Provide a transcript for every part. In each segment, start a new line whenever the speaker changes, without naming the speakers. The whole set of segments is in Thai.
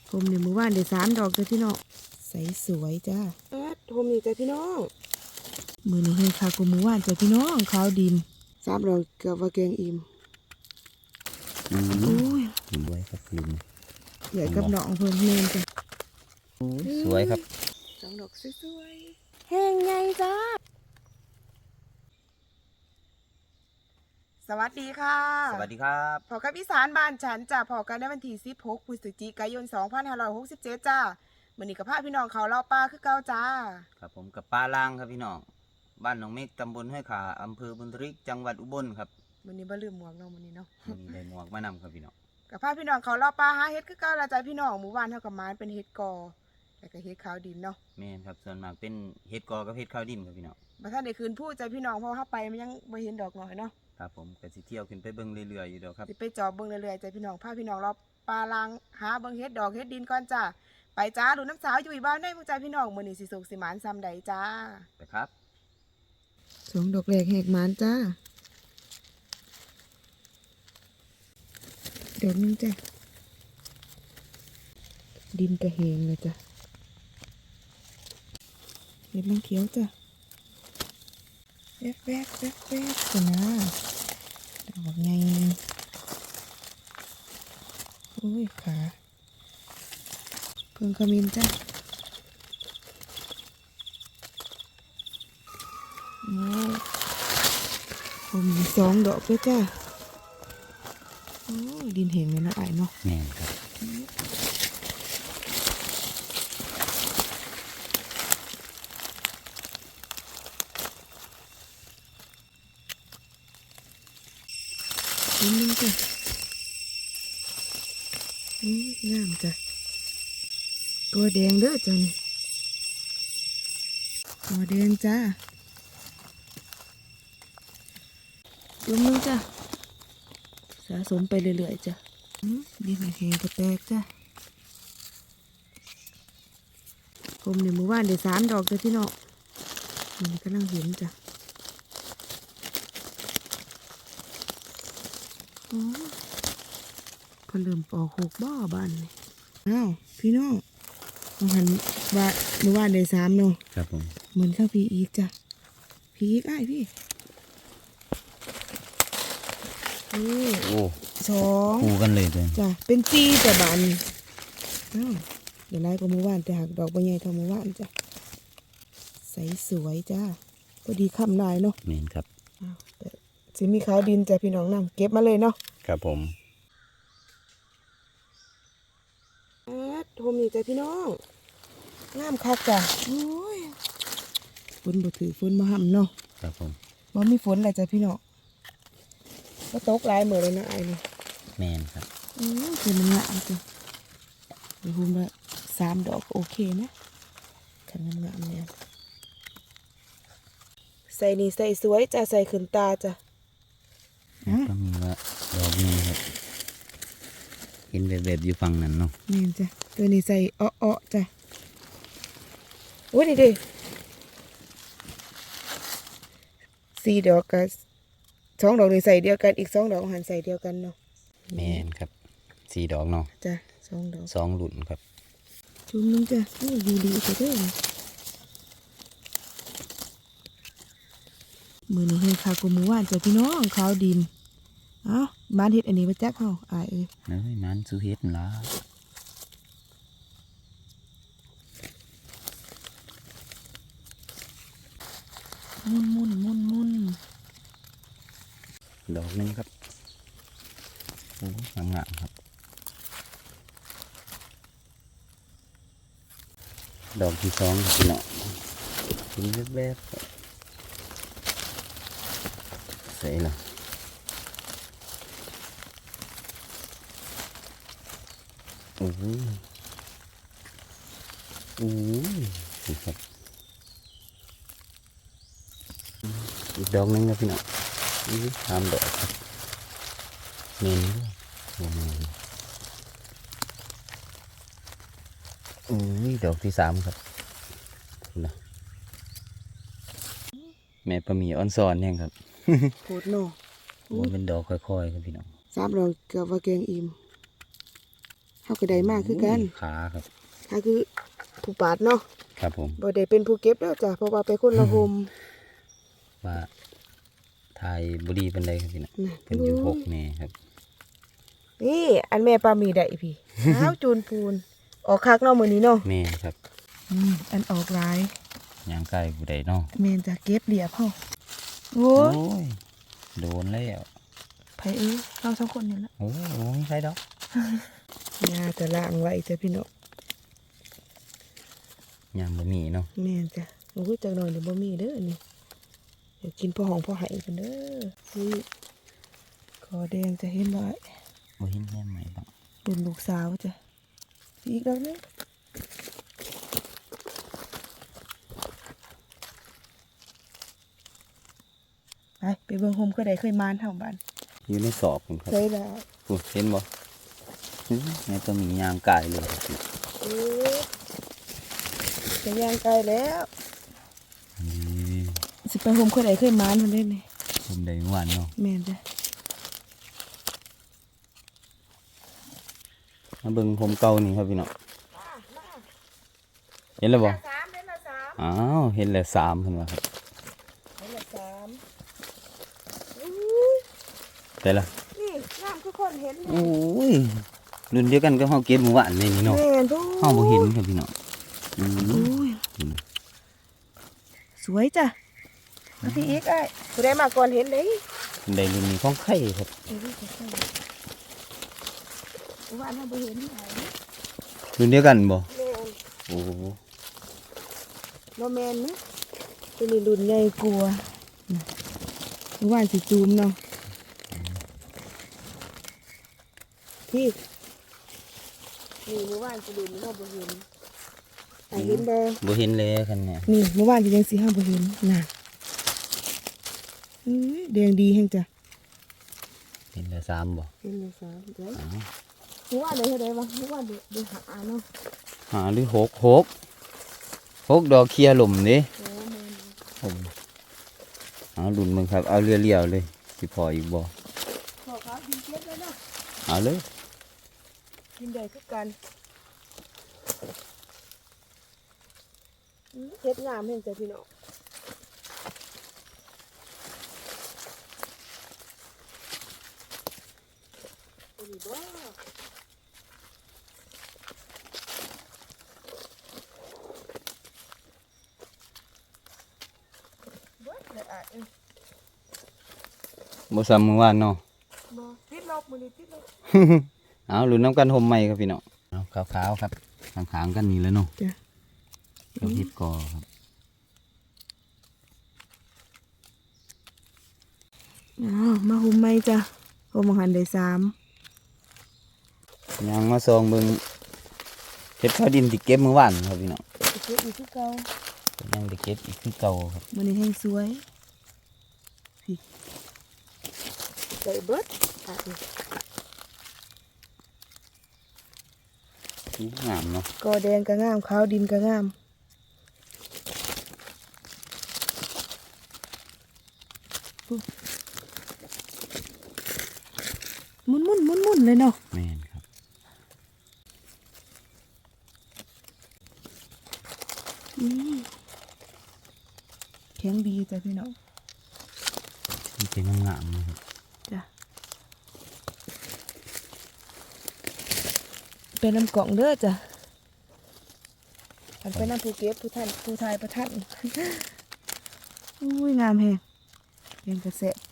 ผมเนี่ยมือว่านได้3 ดอกจ้ะพี่น้องใสสวยจ้าผมนี่จ้ะพี่น้องมือนี้ให้ค่ะกูมือว่านจ้ะพี่น้องขาวดิน3 ดอกเกือบว่าแกงอิ่มโอ้ย
สวยครับลุง
ใหญ่กับน้องเพิ่มเมนจ้ะ
สวยครับ
2 ดอกสวยๆแห้งไงจ้าสวัสดีค่ะ
สวัสดีครับ
พอกับอีสานบ้านฉันจ้ะพอกันในวันที่16 พฤศจิกายน 2567 จ้ามื้อนี้กับพาพี่น้องเขาเล่าป้าคือเก่าจ้า
ครับผมกับป้าล่างครับพี่น้องบ้านหนองเมฆตำบลห้วยขาอำเภอบุญทริกจังหวัดอุบลครับ
มื้อนี้บ่ลืมหมวกเนาะมื้อนี้เนาะ
มีได้หมวกมานำครับพี่น้อง
กับพาพี่น้องเขาเล่าป้าหาเฮ็ดคือเก่าละจ้ะพี่น้องหมู่บ้านเฮากับมานเป็นเฮ็ดกอแล้วก็เฮ็ดขาวดินเนาะ
แม่นครับส่วนมากเป็นเห็ดกอกับเห็ดข้าวดินครับพี่น้อง
บ่ทันได้คืนพูดจ้ะพี่น้องเพราะว่าเฮาไปมันยังบ่เห็นดอกน้อยเนาะ
ครับผมก็สิเที่ยวขึ้นไปเบิ่งเรื่อยๆอยู่เด้อครับ
สิไปจอบเบิ่งเรื่อยๆจ้ะพี่น้องพาพี่น้องรอบปลาลางหาเบิ่งเฮ็ดดอกเฮ็ดดินก่อนจ้ะไปจ้าดูน้ำสาวอยู่บ้านได้พวกจ้าพี่น้องมื้อนี้สิสุกสิหมานซ้ำใดจ้า
ไปครับ
2 ดอกแรกแหกหมานจ้าดอกนึงจ้ะดินกระเหงเลยจ้ะเห็ดมังเขียวจ้ะแว๊บจ้ะนะดอกไงโอ้ยขาเพิ่งขมิ้นจ้ะโอ้ผม2 ดอกด้วยจ้ะโอ้ยดินเหงเลยนะไอ้เนาะ
แม่นครับ
นิดนึงจ้ะงามจ้ะตัวแดงเด้อจ้ะนี่ตัวแดงจ้าตัวนึงจ้ะสะสมไปเรื่อยๆจ้ะดินแห้งก็แตกจ้ะผมเนี่ยมือว่านได้3 ดอกจ้ะพี่น้องนี่กำลังเห็นจ้ะโอ้พอเริ่มปอกหกบ่อบ้านนี่อ้าวพี่น้องมาหันว่าเมื่อวานได้3เนาะ
ครับผม
เหมือนข้าวพีอีกจ้ะพีอีกไอ้พี่นี่
โอ้
2
คู่กันเลยจ้ะ
จ้ะเป็น4จ้ะบ้านนี้อ้าวเดี๋ยวไล่ก็เมื่อวานแต่หักดอกใบใหญ่เท่าเมื่อวานจ้ะใสสวยจ้าพอดีค่ำลายเนาะ
แม่นครับ
อ้าวแต่สิมีขาวดินจ้ะพี่น้องนำเก็บมาเลยเนาะ
ครับผม
โฮมนี่จ้ะพี่น้องงามคักจ้ะโอ้ยฝนบ่ถือฝนมาห่ำเนาะ
ครับผม
บ่มีฝนเลยจ้ะพี่น้องก็ตกหลายมื้อเลยนะไอ้นี่
แม่นครับ
คือมันงามจ้ะเดี๋ยวโฮมละ3 ดอกก็โอเคนะคันงามๆเนี่ยใส่นี่ใส่สวยจ้ะใส่ขึ้นตาจ้ะ
ก็มีว่าดอกนี้ครับเห็นแบบๆอยู่ฝั่งนั้นเนาะ
นี่จ้ะตัวนี้ใส่อ้อๆจ้ะโอ้ยนี่ดิ4 ดอกกับ2 ดอกนี่ใส่เดียวกันอีก2 ดอกหันใส่เดียวกันเนาะ
แม่นครับ4 ดอกเนาะ
จ้ะ2 ดอก
2หลุนครับ
จุ่มนึงจ้ะโอ้ยอยู่ดีไปเด้อมื้อนี้ให้ค่ะกูมือว่านจ้ะพี่น้องขาวดินเอ้าบ้านเฮ็ดอันนี้มาแจ๊กเฮาอ้ายเอ้ย
เอ้ยมันสุเฮ็ดนั่นล่ะ
มุน
ดอกหนึงครับโอ้งามๆครับดอกที่2ครับพี่น้องกินแบบๆใส่ละโอ้โหโอ้โหนี่ครับอีกดอกหนึงครับพี่น้อง3 ดอกครับเน้นด้วยโอ้โหดอกที่3ครับนะแม่ปลาหมีอ่อนซอนเนี่ยครับ
โคตรเนาะ
มันเป็นดอกค่อยๆครับพี่น้อง
3 ดอกเกือบว่าแกงอิ่มเขาก็ได้มากคือกัน
ขาครับ
ถ้าคือผู้ปาดเนาะ
ครับผม
บ่ได้เป็นผู้เก็บแล้วจ้ะเพราะว่าไปคนละโฮม
ว่าทายบุรีเป็นไดครับพี่นะ
น่ะ
เป็นอยู่หกแน่ครับ
นี่อันแม่ปลามีได้พี่ อ้าวจูนปูนออกคักเนาะมื้อนี้เนาะ
แม่ครับ
อันออกหลาย
ย่างใกล้ผู้ใดเนาะ
แม่นจะเก็บเหลียบเฮาโอ้
โอ้
ย
ยโดนแล้ว
ไผเราสองคนนี่ละ
โอ้ยไม่ใช่ดอก
ยาจะล้างไว้จ้ะพี่น้อง
ย่างบะหมี่เนาะ
แม่นจ้ะโอ้ยจักหน่อยเดี๋ยวบ่มีเด้ออันนี้เดี๋ยวกินพ่อหองพ่อไหกันเด้อนี่คอแดงจะเห็นไว้
บ่เห็นแม่ไหมบ้าง
รุ่นลูกสาวจ้ะอีกดอกหนึงไปเบิ่งโฮมก็ได้เคยมานเท่าบ้าน
อยู่ในสอบคุณครับ
เคยแล้ว
คุณเห็นบ่แม่ตัวมีย่างกายเลยครับ
เออจะย่างไกลแล้ว
นี่
สิไปโฮมก็ได้เคยมานมันได้นี่
ผมได้เมื่อวานเนาะ
แม่นจ้ะ
มาเบิ่งผมเก่านี่ครับพี่น้องเห็นแล้วบ่
3เล่นละ3
อ้าวเห็นแล้วสามเพิ่นว่าครับ
เล่นละ3
ได้ละ
นี่น้ำคือคนเห็น
โอ้ยรุ่นเดียวกันก็เฮาเก็บเมื่อวานนี่เนาะ
แม่นดู
เฮาบ่เห็นครับพี่น้องอืม
โอ้ยสวยจ้ะแล้วพี่อีกไอ้ผู้ได้มาก่อนเห็นเลย
ได้รุ่นนี้ของไข่ครับ
ว่าถ้าไปเห็นที่ไหน
รุ่นเดียวกันบ่
แม่น
โอ้
บ่แม่นนะตัวนี้รุ่นใหญ่กลัวานะว่าสิจูมเนาะพี่นี่เมื่อวานสิรุ่นนี้เราบ่เห็นไอ้เห็นบ่
บ่เห็นเลยคันเนี่ย
นี่เมื่อวานสิยังสิห้าบ่เห็นน่ะแดงดีแฮงจ้ะ
เห็นแล้วสามบ่
เห็นเลยสามเดี๋ยว
อ้าว
เมื่อวานได้เท่าใดวะเมื่อวานได้หาเนาะ
หาหรือหกดอกเคลียร์หล่มเด้
โอ้แม่น
ผมเอารุ่นมึงครับเอาเรียวๆเลยสิพออีกบ่
ขอครับกินเก็บเลยเนาะ
เอาเลย
กินได้ทุกกันเฮ็ดงามเห็นจ้ะพี่น้องอันนี้บ่เบิดเลยอ่ะ
บ่ซ้ำมื้อวานเนาะ
บ่ติดลบมื้อนี้ติดลบ
เอาลุ้นน้ำกันห่มใหม่ครับพี่น้องเอาขาวๆครับข้างๆกันนี่แหล้วเนาะ
จ้ะ
เราเฮ็ดกอครับ
มาหุมไหมจ้ะหุมหันได้3
ยางมาซองเบิ่งเฮ็ดข้าวดินที่เก็บมื้อวานครับพี่น้อง
เก็บอีกคือเก่า
ยังได้เก็บอีกคือเก่าครับ
มื้อนี้แห้งสวยพี่ใส่เบิดอ่ะนี่
งามเนาะ
กอแดงก็งามขาวดินก็งามมุนเลยเนาะ
แม่นครับ
แข็งดีจ้ะพี่น้อง
มันเป็นงามๆนะครับ
จ้ะเป็นน้ำกล่องเด้อจ้ะอันเป็นน้ำภูเก็บผู้ท่านผู้ทายประท่าน อุ้ยงามแฮงเรียนกระเสะ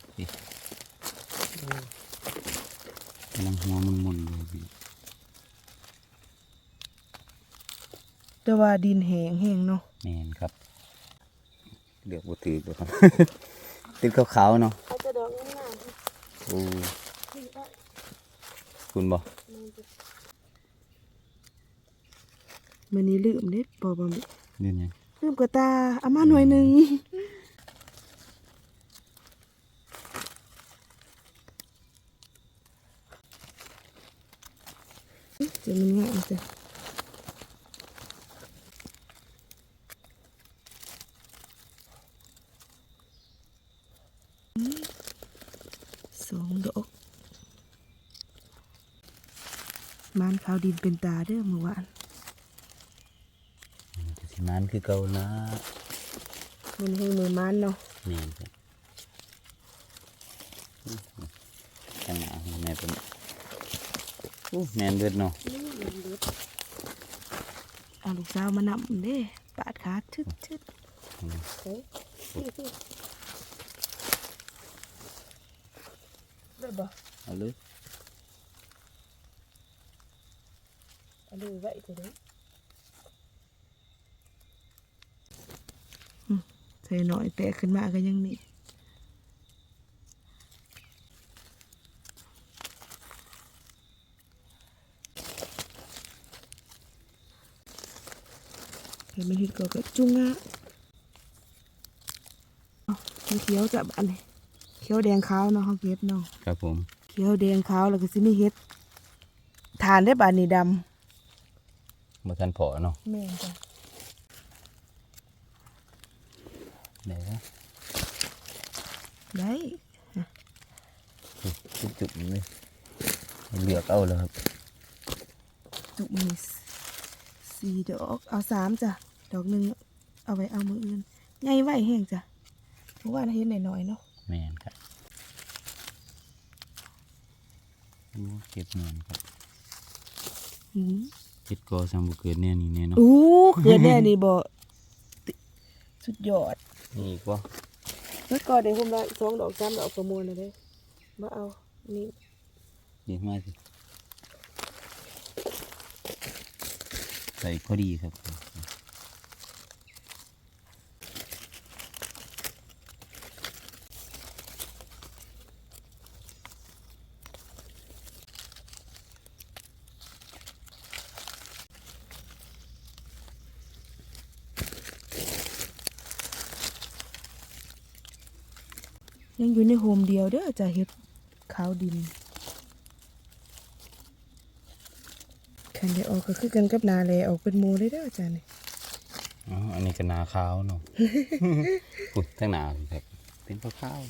กำลังหัวมุนๆเลยพี่
แต่ว่าดินแห้งแห้งเนาะ
แม่นครับเลือกบ่ถือบ่ครับ ติดขาวๆเนาะ
เอาจะดอกงาม
โอ้คุณบ่
มันนี้ลืมเด็ดปอบม
นี่ไง
ลืมกระตาเอามาหน่วยหนึ่งจะมันงามจ้ะ2 ดอกมาานขาวดินเป็นตาเด้อเมื่อวาน
จะสิมันคือเก่านะ
มันให้มือมันเนาะ
แม่นครับข้างหน้าแม่เป็นแม่นเบิดเนาะ
เอาลูกสาวมานำเด้ปาดขาชึดชึดเฮ้ยได้บ่
เอาเลย
เอาเลยไว้เถอะเด้ใส่หน่อยแตกขึ้นมาก็ยังนี่เห็นมันเห็นก็จุ้งอ่ะเขียวจะอันนี้เขียวแดงขาวเนาะเขาเก็บเนาะ
ครับผม
เขียวแดงขาวแล้วก็สิมีเห็ดทานได้บานนี่ด
บ่ทันพอเนาะ
ำแม่นจ้ะ
ไหนวะ
ได้
จุ่มๆเลยเลือกเอาเลยครับ
จุกมี4 ดอกเอา3จ้ะดอกหนึ่งเอาไว้เอามืออื่นใหญ่ไว้แห้งจ้ะเพราะว่าเห็ดหน่อยๆเนาะ
แม่นครับเก็บเงินครับ
หืม
เก็บกอซัมบุเกิดเนี่ยนี่แน่เนาะ
อู้เกิดแน่นี่บ่ติสุดยอด
นี่อีกวะ
แล้วก็เดี๋ยวผมได้2 ดอก3 ดอกประมวลเลยเด้มาเอานี่
ดีมากสิใส่พอดีครับ
ยังอยู่ในโฮมเดียวเด้อจ้ะเห็ดขาวดินคันได้ออกก็คือกันกับนาแลออกเป็นหมู่เลยเด้อจ้ะนี่
อ๋ออันนี้ก็นาขาวเนาะ พุ่นทั้งหนาครับเป็นขาว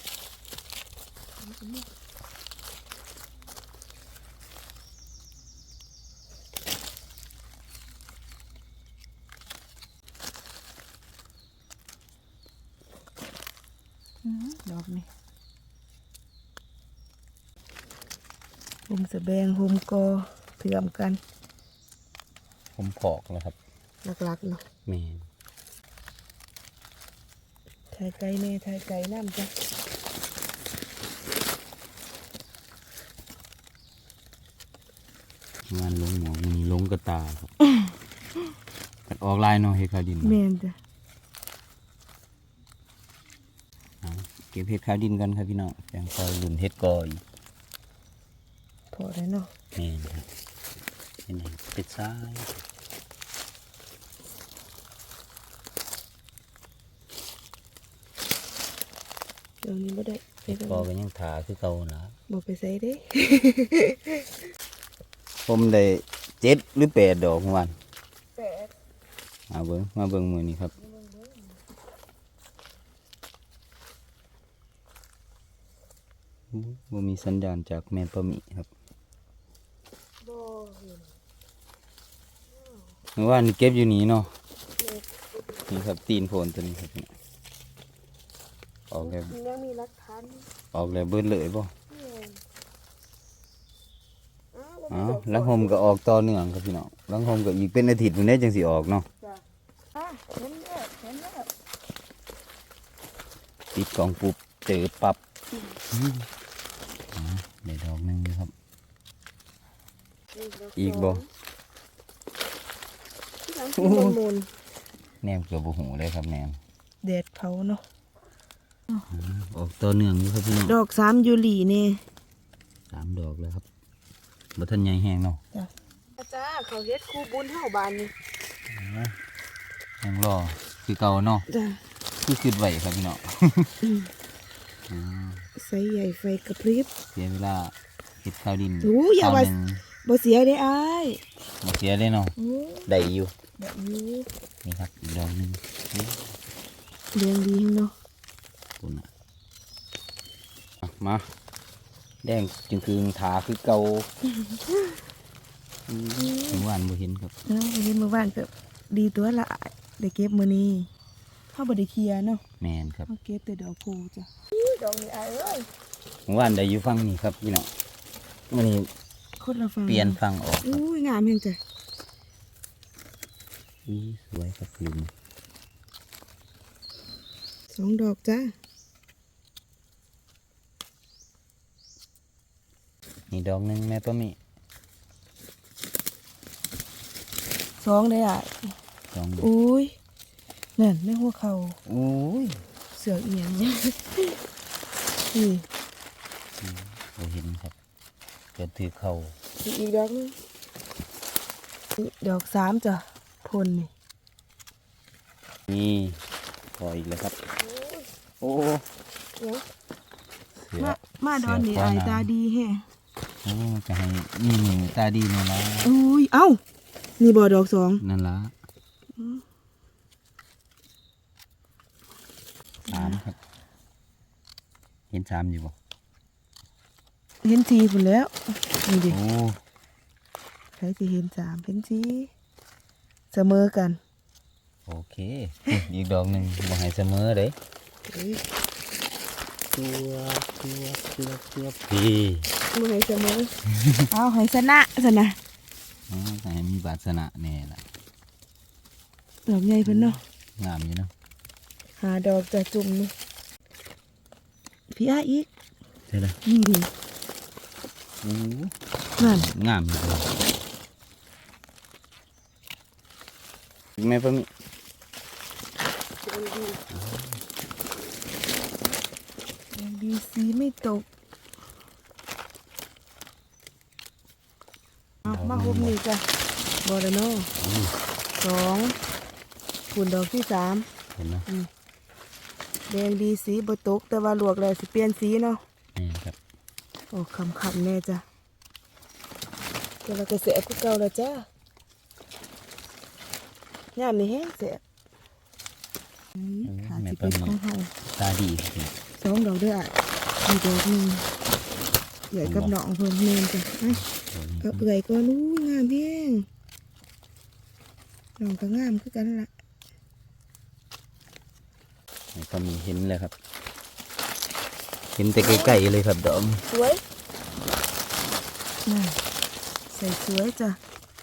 ดอกนี่โฮมสะแบงโฮมกอเถื่อมกัน
ๆผมผอกแล้วครับ
หลักๆเนาะ
แม่น
ไทยไก่แน่ไทยไก่น้ำจ้ะ
งานลงหมอกมันลงกระตาครับ กัดออกลายเนาะเฮ็ดข้าวดิน
แม่นจ้ะ
เอาเก็บเฮ็ดข้าวดินกันครับพี่น้องยังคอยลุ่นเฮ็ดกออีก
พอได้เนาะ
แม่นครับเป็นไงเป็ดซ้าย
เดี๋ยวนี้บ่ได้ไป
เฮ็ด
กัน
กอก็ยังถาคือเก่านะ
บ่ไปใส่เด้
ผมได้7 หรือ 8 ดอกเมื่อวาน
แปด
มาเบิ่งมื้อนี้ครับบ่มีสัญญาณจากแม่ปะมิครับ
บ่เห็น
เมื่อวานนี่เก็บอยู่นี่เนาะนี่ครับตีนโพนตัวนี้ครับพี่น้องออกแล้ว
ยังมีหลักฐาน
ออกแล้วเบิดเลยบ่
แม่นอ้าว
อ๋อลังหมก็ออกต่อเนื่องครับพี่น้องลังหมก็อีกเป็นอาทิตย์พุ่นเด้จังสิออกเนาะ
จ้ะอ่ะเห็นแล้ว
ติดกล่องปุ๊บเจอปั๊บอ๋อได้ดอกหนึงอยู่ครับ อีกบ่
ที่หลังที่มูล
แนมเกือบบ่หูเลยครับแนม
แดดเผาเนาะ
ออกต่อเนื่องอยู่ครับพี่น้อง
ดอก3ยูหลีนี่
3 ดอกแล้วครับบ่ทันใหญ่แห้งเนาะ
จ้ะจ้าเขาเฮ็ดคู่บุญเฮาบานนี่
ยังรอคือเก่าเนาะ
จ้ะ
คือคิดไว้ครับพี่น้อง
ใส่ใหญ่ไฟกระพริบ
เสียเวลาเฮ็ดข้าวดิน
โอ้อย่าว่า
ข้วหนึ่ง
บ่เสียได้อ้าย
บ่เสียเลยเนาะ
โอ้
ได้อยู่
แบบนี้
นี่ครับอีกดอกหนึงนี่
เลี้ยงดีเนาะ
ตัวน่ะมาแดงจึงคือถาคือเก่าเมื่อวานบ่เห็นครับ
เนาะเห็นเมื่อวานก็ดีตัวละได้เก็บมื้อนี้เฮาบ่ได้เคลียร์เนาะ
แม่นครับ
เฮาเก็บแต่ดอกโพจ้ะดอกนี้อายเอ้ย
เมื่อวานได้อยู่ฟังนี่ครับพี่น้องวันนี้
คนละฝั่ง
เปลี่ยนฟังออกครับ
อุ้ยงามแฮงจ้ะ
สวยครับลุง
2 ดอกจ้ะ
นี่ดอกหนึงแม่ป้ามี
2เลยอ่ะ
สองดอก
อุ้ยนั่นในหัวเข่า
โอ้ย
เสือกเอียงเนี่ยนี่
บ่เห็นครับเกิดถือเข่า
อีกดอกนึงนี่ดอก3จ้ะพ่นนี่
นี่พออีกแล้วครับโอ้
เดี๋ยว
เสือ
มาดอนนี่อายตาดีแฮะ
โอ้จะให้นี่หนึ่งตาดีนี่ละ
อุ้ยเอ้านี่บ่ดอก2
นั่นละสามครับ เห็นสามอยู่บ่
เห็นสีพุ่นแล้วนี่ดิ
โอ้
ใครสิเห็น3เห็นสีเสมอกัน
โอเค อีกดอกหนึ่งบ่ให้เสมอเด้
เอ้ย
ตัวพี่
บ่ให้เสมอ เอาให้ชนะซะนะ
อ๋อให้มีบาสนะแน่ละ
ดอกใหญ่เพิ่นเนาะ
งามอยู่เนาะ
หาดอกจะจุ่มนี่พี่อ้ายอีก
ใช่ละ
นี่ดิ
โอ้
นั่น
งามอยู่เลยแม่ป้ามี
ยังดีสีไม่ตกเอามาหุบนี่จ้ะบอระโน
โอ้
2ฝุ่นดอกที่3
เห็นไหม
แดงดีสีบ่ตกแต่ว่าลวกแล้วสิเปลี่ยนสีเนาะ
นี่ครับ
โอ้คำแน่จ้ะเดี๋ยวเราก็เสียคือเก่าแล้วจ้ะยามนี่แห้งเสียขาสิเป็นของเฮา
ตาดีครับ
2 ดอกเด้ออ่ะมีดอกหนึงใหญ่กับน้องเพิ่มเมนจ้ะเอ้ยเอื่อยก็รู้งามแห้งน้องก็งามคือกันล่ะ
แม่ป้ามีเห็นเลยครับ เห็นแต่ไกลๆเลยครับดอก
สวยน่ะใส่สวยจ้ะ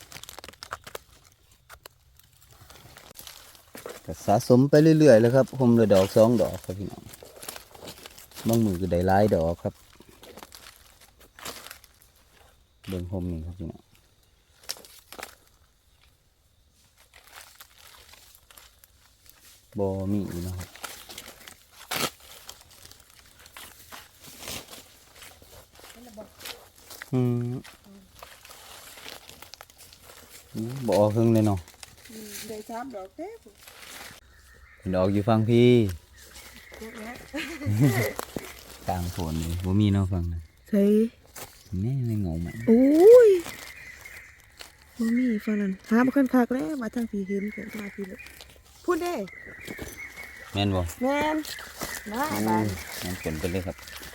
ก็สะสมไปเรื่อยๆเลยครับผมเลยดอกสองดอกครับพี่น้องบางมือก็ได้หลายดอกครับเบิ่งผมนี่ครับพี่น้องบ่มีนะครับอืมบ่ออกครึ่งเลยเนาะ
ได้3 ดอกเด้อ
ดอกอยู่ฟังพี่
เยอะแยะ
กลางฝนเลยบ่มีเนาะฟังนะ
ใส่
นี่ไม่งงไหม
โอ้ยบ่มีฟังนั่นหาบ่คันคักแล้วมาทางพี่เห็นเกิดมาพี่เลยพูดได้
แม่นบ่
แม่นมา
โอ้
บาน
งั้นฝนไปเลยครับ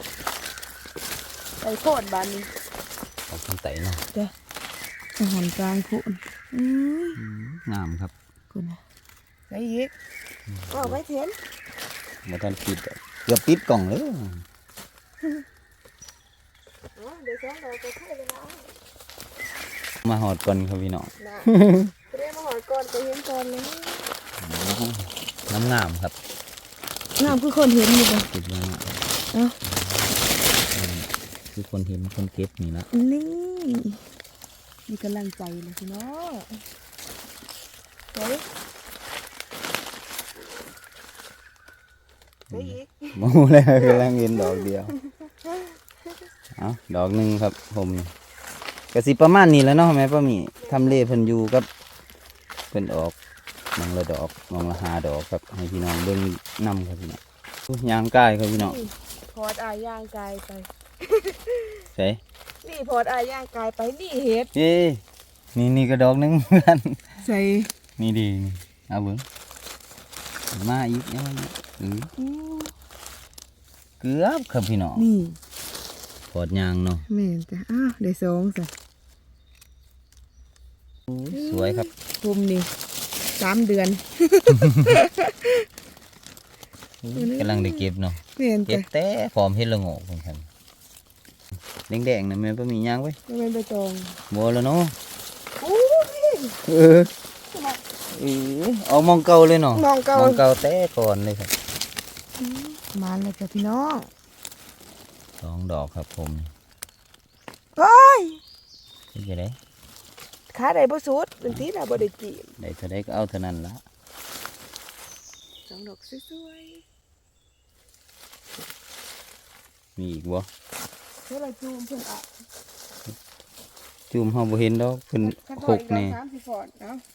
ไปโคตรบานนี้
ออกทางไตเนาะ
จ้ะอาหารกลางโคนอืม
งามครับ
คุณนะใส่อีกก็ไว้เทียน
มาทันปิดดอกเกือบปิดกล่องเลย
เดี๋ยว2 ดอกก็ใช่เลยนะ
มาหอดก่อนครับพี่น้อง
นะเรียกมาหอยก่อนไปเห็นก่อนเลย
น้ำงามครับ
งามคือคนเห็นอยู่บ่
คิดว่า
เอ้า
คือคนเห็นคนเก็บนี่ละ
นี่มีกำลังใจเลยพี่น้องใส่ใส่อีก
โมแล้วกำลังเห็นดอกเดียวเอาดอกหนึ่งครับผมกระสิประมาณนี้แหล้วเนาะแม่ป้าหมีทำเลเพิ่นอยู่กับเพิ่นออกมองละดอกมองละหาดอกครับให้พี่น้องเบิ่งนำครับพี่น้องยางกายครับพี่น้อง
พอดอายย่างกายไป
ใช่
นี่พอดอายย่างกายไปนี่เห็ด
เย้นี่ก็ดอกหนึงเหมือนกัน
ใส่
นี่ดีนี่เอาเบิ่งมาอีกเอาอีกเกือบครับพี่น้อง
นี่
ปอดยางเนาะ
แม่นจ้ะอ้าวได้2จ้ะ
สวยครับ
ภูมินี่3 เดือน
กำลังได้เก็บเนาะ
แม่น
เก็
จ้ะ
บแต่พร้อมเฮ็ดละโงกเพิ่นครับแดงๆนะแม่บ่มีหยังไว้
บ่แม่นใบตอง
บ่แล้วเนาะ
โอ้ย
เออเอามองเก่าเลยเนาะ
มองเก่า
มองเก่าแต่ก่อนเลยครับ
มาแล้วจ้ะพี่น้อง
2 ดอกครับผม
โอ้ย
นี่จะได้
ขาได้บ่สุดเป็นทีน่ะบ่ได้จีบ
ได้เท่าใดก็เอาเท่านั้นละ
2 ดอกสวย
มีอีกบ่
ๆเท่าไรจูมเพิ่นอ่ะ
จุ่มเฮาบ่เห็นดอกเพิ่น
คัน
ห
พอก อีก
แน่
3-4ฟอนเนาะ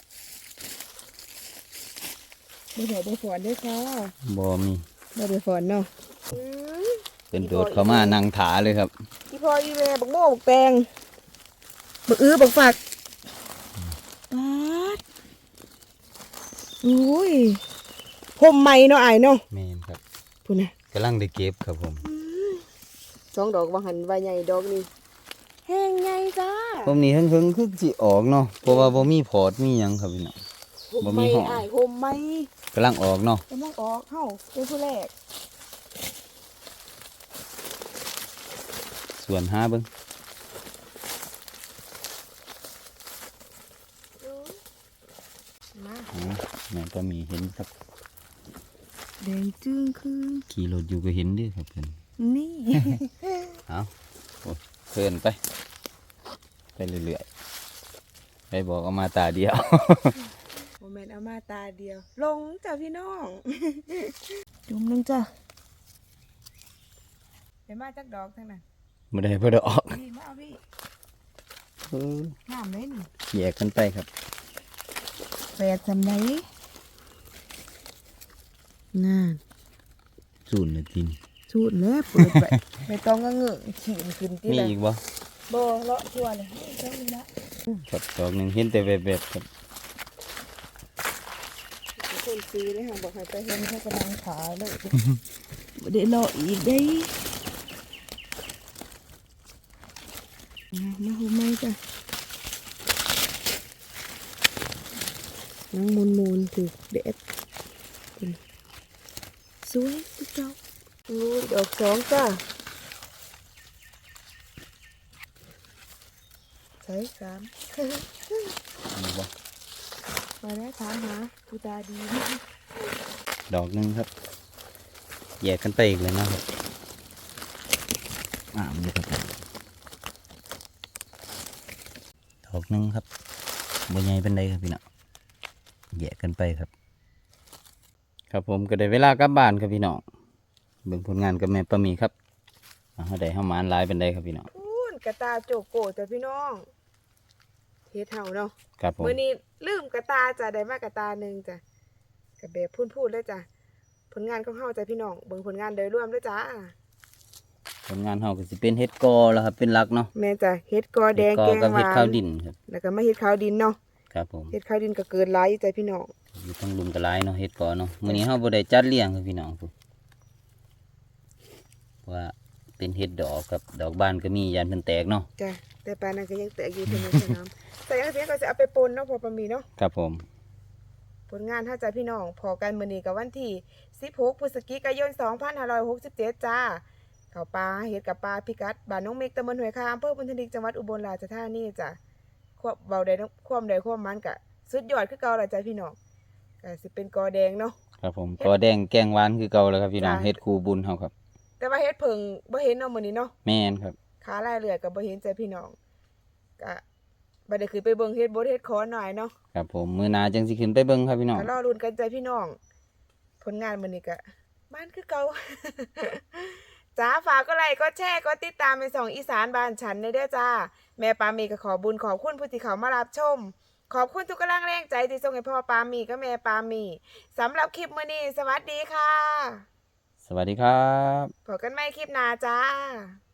บ่ได้ฟอนเด้อค่ะ
บ่มี
บ่ได้ฟอนเนาะ
เพิ่นโดดเข้ามานั่งถาเลยครับ
อีพ่ออีแม่บักโม่บักแตงบักบักฝักปาดอุ้ยห่มใหม่เนาะอ้ายเนาะ
แม่นครับ
พุ่นน่ะ
กำลังได้เก็บครับผม
2 ดอกว่าหันใบใหญ่ดอกนี้แห้งใหญ่จ้า
ผมนี่เฮิงๆคือสิออกเนาะเพราะว่าบ่มีพอร์ตมีหยังครับพี่น้อง
ห่ม
บ่
ให
มี
ม่
ห่อ
อ้ายห่มใหม่
กำลังออกเนาะ
กำลังออกเฮาเป็นผู้แรก
ส่วนหาเบิ่ง
มา
อ๋อแม่ก็มีเห็นครับ
แดงจึ้งคือ
ขี่รถอยู่ก็เห็นเด้วยครับเพิ่น
นี่
เอาโอ้ยเพิ่นไป ไปเรื่อยๆไปบอกเอามาตาเดียว
โมเมนต์เอามาตาเดียว ลงจ้ะพี่น้อง จุ่มหนึงจ้ะเดี๋ยวมาจักดอกทั้งนั้น
บ่ได้บ่ได้ออก
นี่มาเอาพี่
เออ
น้ำเลยนี่
แยกกันไปครับ
แปดสำไหนน่า
สูนเลยทีน
สูดแล้วเปิดไป ไม่ต้องก็เงือกขี่ขึ้นที่
มี
ละ
อีกบ่
บ่เลาะทั่วเลยเจ้านี่ละ
ครับดอกหนึงเห็นแต่แวบๆครับ
คนซื้อเลยค่ะบอกให้ไปเห็นเขากำลังขายเลยบ่ได้เลาะอีกได้มาหูไหมจ้ะนังมูลถูกเด็ดสวยทุกดอกโอ้ยดอก2จ้ะใช้3
มีบ่
มาแล้วถามหากูตาดี
ดอกหนึงครับ แยกกันไปอีกเลยนะครับมันอยู่ครับดอกหนึงครับบ่ใหญ่เป็นไดครับพี่น้องแยกกันไปครับ ครับผมก็ได้เวลากลับบ้านครับพี่น้องเบิ่งผลงานกับแม่ปามีครับเฮาได้เฮาหมานหลายเป็นไดครับพี่น้อง
พูนกระตาโจโกจ้ะพี่น้องเฮ็ดเฮาเนาะ
ครับผม
มื้อนี้ลืมกระตาจ้ะได้มากระตาหนึ่งจ้ะกระแบบพูดเลยจ้ะผลงานของเฮาจ้ะพี่น้องเบิ่งผลงานโดยรวมเลยจ้า
ผลงานเฮาก็สิเป็นเฮ็ดกอแล้วครับเป็นหลักเนาะ
แม่จ้ะเฮ็ดกอแดง
เฮ็ดกอ
แกง
กับ
ห
เฮ็ด
วา
ข้าวน ดินครับ
แล้วก็มาเฮ็ดขาวดินเนาะ
ครับผม
เฮ็ดขาวดินก็เกินหลายจ้ะพี่น้อง
อยู่ทั้งลุมกระลายเนาะเฮ็ดกอเนาะมื้อนี้เฮาบ่ได้จัดเลี้ยงครับพี่น้องพุ่นว่าเป็นเฮ็ดดอกกับดอกบานก็มียานเพิ่นแตกเนาะ
จ้ะแต่ปานนั้นก็ยังแตกอยู่ที่ในสนามแต่ยังเสียก็จะเอาไปปนเนาะพอปะมีเนาะ
ครับผม
ผลงานถ้าจ้ะพี่น้องพอกันมื้อนี้ก็วันที่16พฤศจิกายน2567จ้าเข้าป่าเฮ็ดกับปลาพิกัดบ้านน้องเมกตำบลห้วยคาอำเภอพุนทนิกจังหวัดอุบลราชธานีจ้ะควบเบาได้ความใดความมันก็สุดยอดคือเก่าล่ะจ้ะพี่น้องก็สิเป็นกอแดงเนาะ
ครับผมกอแดงแกงหวานคือเก่าแล้วครับพี่น้อง
จ้ะ
เฮ็ดคู่บุญเฮาครับ
แต่ว่าเฮ็ดเพิ่งบ่เห็นเนาะมื้อนี้เนาะ
แม่นครับ
ขาลายเลือดก็บ่เห็นจ้ะพี่น้องก็บ่ได้ขึ้นไปเบิ่งเฮ็ดบ่เฮ็ดขอหน่อยเนาะ
ครับผมมื้อหน้าจังสิขึ้นไปเบิ่งครับพี่น้อง
ก็รอลุ้นกันจ้ะพี่น้อง ผลงานมื้อนี้ก็บ้านคือเก่า จ้าฝากก็ไลค์ก็แชร์ก็ติดตามใน2อีสานบ้านฉันในเด้อจ้า แม่ปามีก็ขอบุญขอบคุณผู้ที่เขามารับชม ขอบคุณทุกกำลังแรงใจที่ส่งให้พ่อปามีกับแม่ปามีสำหรับคลิปมื้อนี้สวัสดีค่ะ
สวัสดีครับ
พบกันใหม่คลิปหน้าจ้า